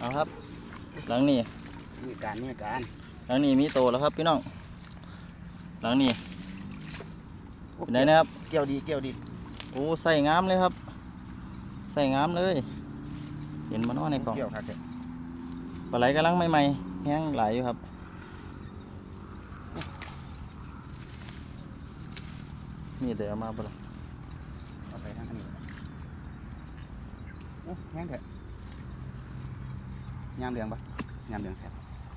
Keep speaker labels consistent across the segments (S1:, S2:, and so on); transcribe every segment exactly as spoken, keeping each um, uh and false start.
S1: เอาครับหลังนี้
S2: มีการมีการ
S1: หลังนี้มีโตแล้วครับพี่น้องหลังนี้เป็นไงนะครับ
S2: เกี่ยวดีเกี่ยวดี
S1: โอ้ใส่งามเลยครับใส่งามเลยเห็นมันน้อในกล่อง
S2: เกี่ยวครับเด็ก
S1: ปลาไหลกำลังใหม่ๆแห้งหลายอยู่ครับนี่เดี๋ยวเอามาปะล่ะ
S2: เอาไปทางนี้โอ้แห้งเถอะยามเหลืองปะยามเหลืองแท้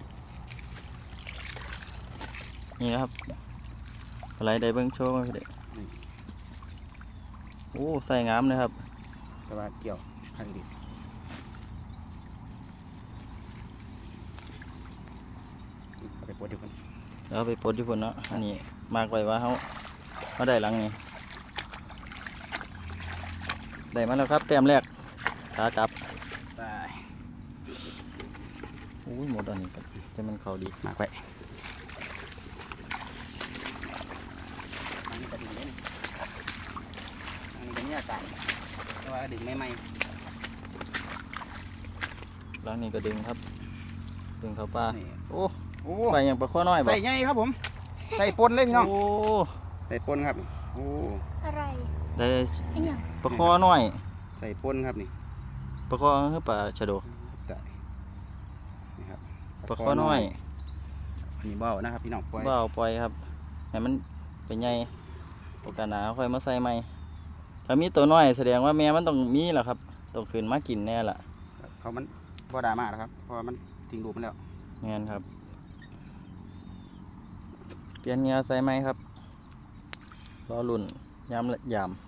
S1: นี่นะครับปลาไหลได้เบิ้งโชว์มาพี่เด็กโอ้ใส่งามเลยครับ
S2: แต่ว่าเกี่ยวข้างดีเอาไปปวดดีคน
S1: แล้วไปปลดที่พุ่นเนาะอันนี้มากไว้ว่าเขาเขาได้หลังนี้ได้มาแล้วครับแต้มแรกขากลับ
S2: ไป
S1: โอ้ยหมดอันนี้ครับจะมันเขาดี
S2: มากไปอันนี้ก็ดึงเลยอันนี้ก็มีอากาศแต่ว่าดึงไม่ไหม
S1: หลังนี้ก็ดึงครับดึงเขาปลา
S2: นี่
S1: โอ้
S2: โอ้
S1: ไปอย่างปลาข้อน้อยบ่
S2: ใส่ใหญ่ครับผมใส่ปนเลยพี่น้อง
S1: โอ้
S2: ใส่ปนครับโอ้
S3: อะไร
S1: ได้
S3: ไอ้หยัง
S1: ปลาข้อน้อย
S2: ใส่ปนครับนี่
S1: ปลาข้อคือปลาชะโด
S2: ได้นี่ครับ
S1: ปลาข้อน้อย
S2: อันนี้เบ้านะครับพี่น้องปล่อย
S1: บ่เอาปล่อยครับให้มันเป็นใหญ่โอกาสหนาค่อยมาใส่ใหม่ถ้ามีตัวน้อยแสดงว่าแม่มันต้องมีแหละครับต้องขึ้นมากินแน่ละ
S2: เขามันบ่ดราม่าแล้วครับเพราะว่ามันทิ้งรูปมันแล้ว
S1: งั้นครับเปลี่ยนเหงาใส่ไหมครับรอลุ่นยามละยาม